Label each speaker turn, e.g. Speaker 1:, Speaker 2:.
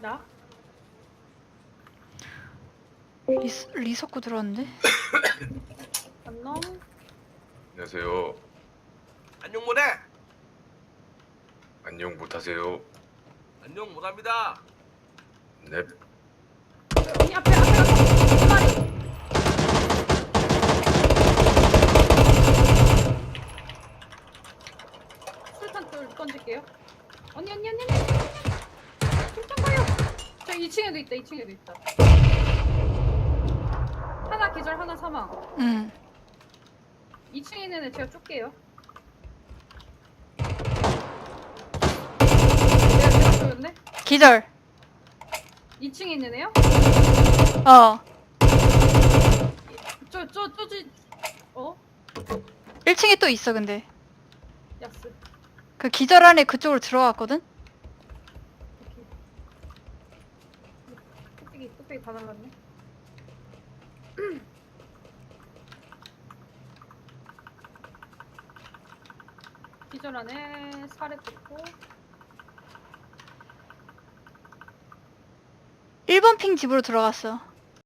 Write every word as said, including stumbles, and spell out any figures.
Speaker 1: 나?
Speaker 2: 리, 리석구 들어왔는데?
Speaker 1: 안녕?
Speaker 3: 안녕하세요.
Speaker 4: 안녕 못해.
Speaker 3: 안녕 못하세요.
Speaker 4: 안녕 못합니다.
Speaker 3: 넵.
Speaker 1: 여기 앞에, 앞에, 앞에! 두 마리! 술탄 돌 던질게요. 언니, 언니, 언니, 언니! 술탄 가요! 저 이 층에도 있다, 이 층에도 있다. 하나 기절, 하나 사망.
Speaker 2: 응.
Speaker 1: 이 층에 있는 애 제가 쫓게요. 내가 제가 쫓였네?
Speaker 2: 기절.
Speaker 1: 이 층에 있는 애요?
Speaker 2: 어.
Speaker 1: 저, 저, 저지, 어?
Speaker 2: 일 층에 또 있어 근데.
Speaker 1: 야스.
Speaker 2: 그 기절 안에 그쪽으로 들어갔거든?
Speaker 1: 오케이. 뚝배기, 뚝배기 다 날랐네. 기절 안에 살에 뜯고.
Speaker 2: 일 번 핑 집으로 들어갔어.